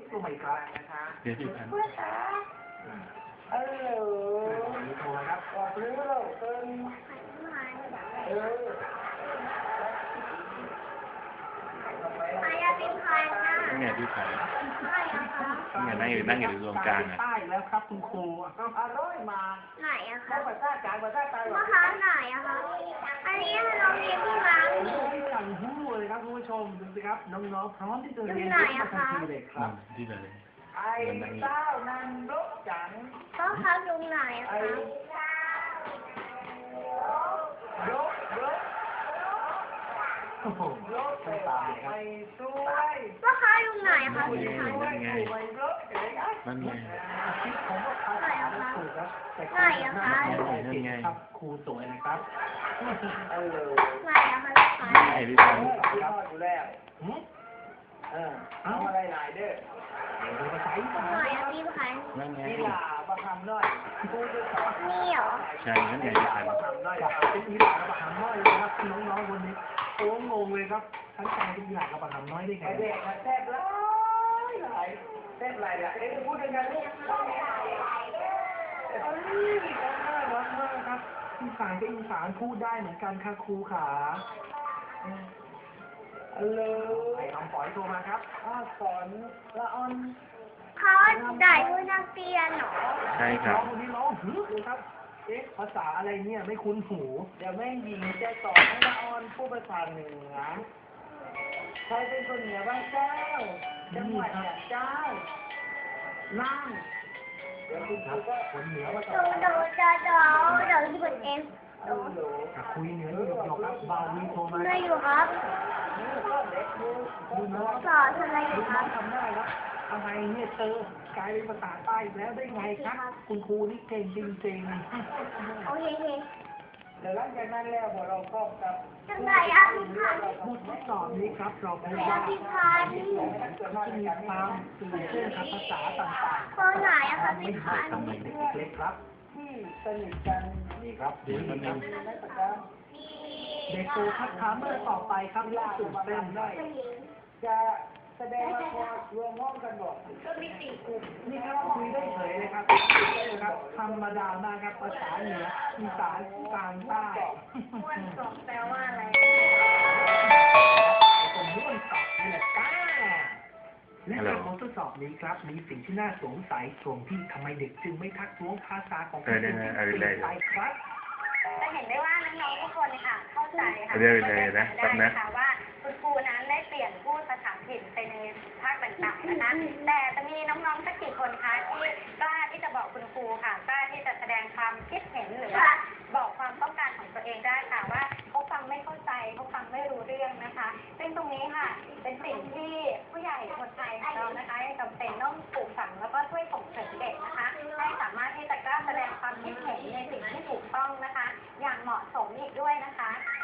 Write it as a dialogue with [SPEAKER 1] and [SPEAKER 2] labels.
[SPEAKER 1] ลงมาอีกครั้งนะคะ
[SPEAKER 2] เดี๋ยวพี่พัน
[SPEAKER 1] ฮัลโหลโทรมาครับออกหรือเราเติม
[SPEAKER 3] มายาเป็นใครนะ
[SPEAKER 2] นี่ไงพี่พัน
[SPEAKER 3] ใช่อะคะ
[SPEAKER 2] นี่ไงนั่งอยู่ตรงกลางอ่ะ
[SPEAKER 1] ใต้แล้วครับคุณครูอร่อยมาก
[SPEAKER 3] ไหนอะคะ
[SPEAKER 1] ภาษากลางภาษาใต้
[SPEAKER 3] มะพร้าวไหนอะคะอันนี้เราเรียนที่ร้านนี่
[SPEAKER 1] สั่งหู้เลยครับคุณผู้ชมดูสิครับน้องๆพร้อมที่จะเรียน
[SPEAKER 3] อยู่ไหนอะคะ
[SPEAKER 1] ทันทีเลยครับ
[SPEAKER 2] ที่ไหน
[SPEAKER 1] ไอ้เจ้านั่นรบจัง
[SPEAKER 3] ก็พักตรงไหนอะ
[SPEAKER 1] ไอ้
[SPEAKER 3] คะ
[SPEAKER 1] รบโอ้โหรบไปตามเลยครับ
[SPEAKER 3] มะพร้าวตรงไหนอะคะพี่พันธุ์
[SPEAKER 2] นั่นไงนั่นไง
[SPEAKER 1] คิดผมว่าเขาถามถูกครับแต่
[SPEAKER 3] ไหนอะคะ
[SPEAKER 2] นั่นไง
[SPEAKER 1] ครับครูสวยนะครับเออ
[SPEAKER 3] ไหนอะคะพี่พันธุ์
[SPEAKER 2] ไอ้พี่พัน
[SPEAKER 1] ครับอยู่แล้วเอาอะไรหลายเด้อภาษาอีสาน
[SPEAKER 3] ไหนอะพี่พันธุ์
[SPEAKER 2] นั่นไง
[SPEAKER 1] นี่ล่ะประคำน้อยครูจะสอน
[SPEAKER 3] นี่เหรอ
[SPEAKER 2] ใช่นั่นไงพี่พัน
[SPEAKER 1] ประคำน้อยเป็นอีหลากับประคำน้อยเลยครับน้องๆคนนี้โอ้งงเลยครับทั้งใจเป็นอีหลากับประคำน้อยได้ไงเด็กแซ่บหลายแซ่บหลายอ่ะเอ๊ะพูดยังไงลูกน่ารักมากครับอีสานกับอีสานพูดได้เหมือนกันค่ะครูขาฮัลโหลไอ้คำฝอยโทรมาครับสอนละออน
[SPEAKER 3] เขาได้ด้วยนักเรียนเหรอ
[SPEAKER 2] ใช่ครับ
[SPEAKER 1] น้องคนนี้ร้องฮึเลยครับ เอ๊ะภาษาอะไรเนี่ยไม่คุ้นหู เดี๋ยวแม่หญิงจะสอนให้ละออนพูดภาษาเหนือใครเป็นคนเหนือบ้างเจ้า จังหวัดอย่างเจ้า นั่ง เดี๋ยวคุณครูก็คนเหนือมาสอน
[SPEAKER 3] เดี๋ยวที่เป็นเอ็ม
[SPEAKER 1] คุยเหนือหยอกๆครับบาวีโทรมา
[SPEAKER 3] ได้อยู่ครับ
[SPEAKER 1] ดูน้อง
[SPEAKER 3] สอนอะไรอ
[SPEAKER 1] ดู
[SPEAKER 3] ยู่ค
[SPEAKER 1] น้
[SPEAKER 3] รั
[SPEAKER 1] อบ งทำได้ครับอะไรเนี่ยเจอกลายเป็นภาษาใต้อีกแล้วได้ไงครับ คุณครูนี่เก่งจริงๆ
[SPEAKER 3] โอเค
[SPEAKER 1] เดี๋ยวหลังจากนั้นแล้วพอเราก็กับ
[SPEAKER 3] จังไงอะพี่พันธุ์
[SPEAKER 1] บททดสอบนี้ครับเราพบ
[SPEAKER 3] ไหน
[SPEAKER 1] ว่า
[SPEAKER 3] อะพี่พันธุ์
[SPEAKER 1] จะมีความตื่นเต้นกับภาษาต่าง
[SPEAKER 3] เบอร์ไหนอะคะ
[SPEAKER 1] ๆ
[SPEAKER 3] พี่พันธุ์
[SPEAKER 1] ทำไมเด็กเล็กครับ ที่สนิทกันนี่ครับดูนี่ครับเด็กโตครับถามเมื่อต่อไปครับล่าสุดเป็นได้จะแสดงละครรวมห้องกันบอก
[SPEAKER 3] ก็มีสี่กลุ่ม
[SPEAKER 1] นี่ครับคุยได้เฉยเลยครับครับธรรมดามากครับภาษาเหนืออีสานกลางใต้
[SPEAKER 3] ม้วนกล่องแปลว่าอะไร
[SPEAKER 1] ผมม้วนตอบนี่แหละจ้าและจากบททดสอบนี้ครับมีสิ่งที่น่าสงสัยตรงที่ทำไมเด็กจึงไม่ทักท้วงภาษาของคนอื่นที่เปลี่ยนไปครับ
[SPEAKER 4] จะเห็นได้ว่าน้องๆทุกคนค่ะเข้าใจค่ะ
[SPEAKER 2] เรียกเลยนะแป๊บนะ
[SPEAKER 4] ได้ค่ะว่าคุณครูนั้นได้เปลี่ยนพูดภาษาถิ่นไปในภาคต่างๆนะคะแต่จะมีน้องๆสักกี่คนคะที่กล้าที่จะบอกคุณครูค่ะกล้าที่จะแสดงความคิดเห็นหรือว่าบอกความต้องการของตัวเองได้ค่ะว่าเขาฟังไม่เข้าใจเขาฟังไม่รู้เรื่องนะคะ ซึ่งตรงนี้ค่ะเป็นสิ่งที่ผู้ใหญ่คนไทยของเรานะคะยังจำเป็นต้องปลูกฝังแล้วก็ช่วยส่งเสริมเด็กนะคะให้สามารถที่จะกล้าแสดงความคิดเห็นในสิ่งที่ถูกต้องนะคะ อย่างเหมาะสมอีกด้วยนะคะ